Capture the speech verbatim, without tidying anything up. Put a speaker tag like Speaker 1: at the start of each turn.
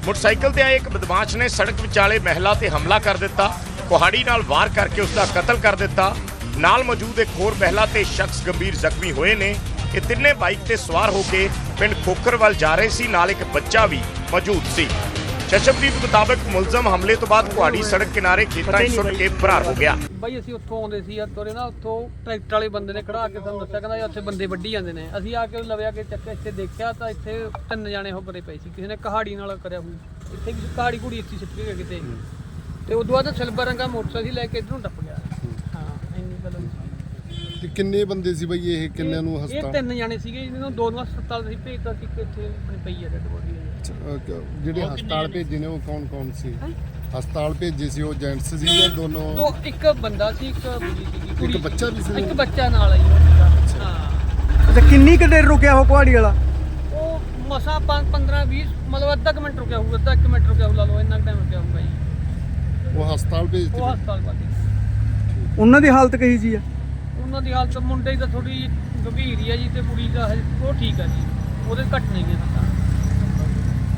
Speaker 1: Motorcycle ते आए एक बदमाश ने सड़क विचाले महिला ते हमला कर दिता, कुहाड़ी नाल वार करके उसका कतल कर दिता। नाल मौजूद एक होर महिला ते शख्स गंभीर जख्मी होए ने। ये तिन्ने बाइक ते सवार होके पिंड खोखर वाल जा रहे सी, नाल एक बच्चा भी मौजूद सी। चशमदीद मुताबिक मुलजम हमले तो बाद कुहाड़ी सड़क किनारे खेतां च सुੱਟ के फरार हो गया।
Speaker 2: ਬਈ ਅਸੀਂ ਉੱਥੋਂ ਆਉਂਦੇ ਸੀ ਆ ਤੋਰੇ ਨਾ ਉੱਥੋਂ ਟਰੈਕਟਰ ਵਾਲੇ ਬੰਦੇ ਨੇ ਖੜਾ ਕੇ ਸਾਨੂੰ ਦੱਸਿਆ, ਕਹਿੰਦਾ ਉੱਥੇ ਬੰਦੇ ਵੱਢੀ ਜਾਂਦੇ ਨੇ। ਅਸੀਂ ਆ ਕੇ ਲਵਿਆ ਕੇ ਚੱਕੇ ਇੱਥੇ ਦੇਖਿਆ ਤਾਂ ਇੱਥੇ ਤਿੰਨ ਜਾਣੇ ਹੋ ਬਰੇ ਪਏ ਸੀ, ਕਿਸੇ ਨੇ ਕਹਾੜੀ ਨਾਲ ਕਰਿਆ ਹੋਈ, ਇੱਥੇ ਵੀ ਕਹਾੜੀ ਕੁੜੀ ਇੱਥੇ ਸਿੱਟ ਕੇ ਕਿਤੇ। ਤੇ ਉਦੋਂ ਬਾਅਦ ਸਿਲਵਰ ਰੰਗਾ ਮੋਟਰਸਾਈਕਲ ਲੈ ਕੇ ਇੱਧਰੋਂ ਟੱਪ ਗਿਆ। ਹਾਂ ਇੰਨੀ ਗੱਲ ਹੋਈ।
Speaker 3: ਤੇ ਕਿੰਨੇ ਬੰਦੇ ਸੀ ਬਈ ਇਹ, ਕਿੰਨਿਆਂ ਨੂੰ
Speaker 2: ਇਹ
Speaker 3: ਹਸਪਤਾਲ?
Speaker 2: ਤਿੰਨ ਜਾਣੇ ਸੀਗੇ, ਜਿਹਨਾਂ ਨੂੰ ਦੋ ਨੂੰ ਹਸਪਤਾਲ ਅਸੀਂ ਭੇਜਤਾ ਸੀ, ਕਿ ਇੱਥੇ ਆਪਣੀ ਪਈ ਹੈ ਡੈਡ ਬੋਡੀ।
Speaker 3: ਜਿਹੜੇ ਹਸਪਤਾਲ ਭੇਜੇ ਨੇ ਉਹ ਕੌਣ ਕੌਣ ਸੀ? ਹਸਪਤਾਲ ਭੇਜੇ ਸੀ ਉਹ ਜੈਂਟਸ ਸੀ ਜਾਂ ਦੋਨੋਂ?
Speaker 2: ਦੋ, ਇੱਕ ਬੰਦਾ ਸੀ, ਇੱਕ ਕੁੜੀ ਸੀ।
Speaker 3: ਇੱਕ ਬੱਚਾ ਵੀ ਸੀ?
Speaker 2: ਇੱਕ ਬੱਚਾ ਨਾਲ ਆਈ ਹਾਂ।
Speaker 4: ਅੱਛਾ, ਕਿੰਨੀ ਕੁ ਦੇਰ ਰੁਕਿਆ ਉਹ ਕੁਹਾੜੀ ਵਾਲਾ?
Speaker 2: ਉਹ ਮਸਾ ਪੰਦਰਾਂ ਵੀਹ ਮਤਲਬ ਅੱਧਾ ਕੁ ਮਿੰਟ ਰੁਕਿਆ ਹੋਊਗਾ, ਅੱਧਾ ਇੱਕ ਮਿੰਟ ਰੁਕਿਆ ਹੋਊ, ਲਾ ਲਓ ਇੰਨਾ ਟਾਈਮ ਰੁਕਿਆ ਹੋਊਗਾ ਜੀ।
Speaker 3: ਉਹ ਹਸਪਤਾਲ ਭੇਜਤੇ?
Speaker 2: ਉਹ ਹਸਪਤਾਲ ਬਾਕੀ
Speaker 4: ਉਹਨਾਂ ਦੀ ਹਾਲਤ ਕਹੀ ਜੀ ਆ?
Speaker 2: ਉਹਨਾਂ ਦੀ ਹਾਲਤ ਮੁੰਡੇ ਦੀ ਤਾਂ ਥੋੜੀ ਗੰਭੀਰ ਹੀ ਆ ਜੀ, ਤੇ ਕੁੜੀ ਦਾ ਹਜੇ ਉਹ ਠੀਕ ਆ ਜੀ, ਉਹਦੇ ਘੱਟ ਨਹੀਂ ਹੈ।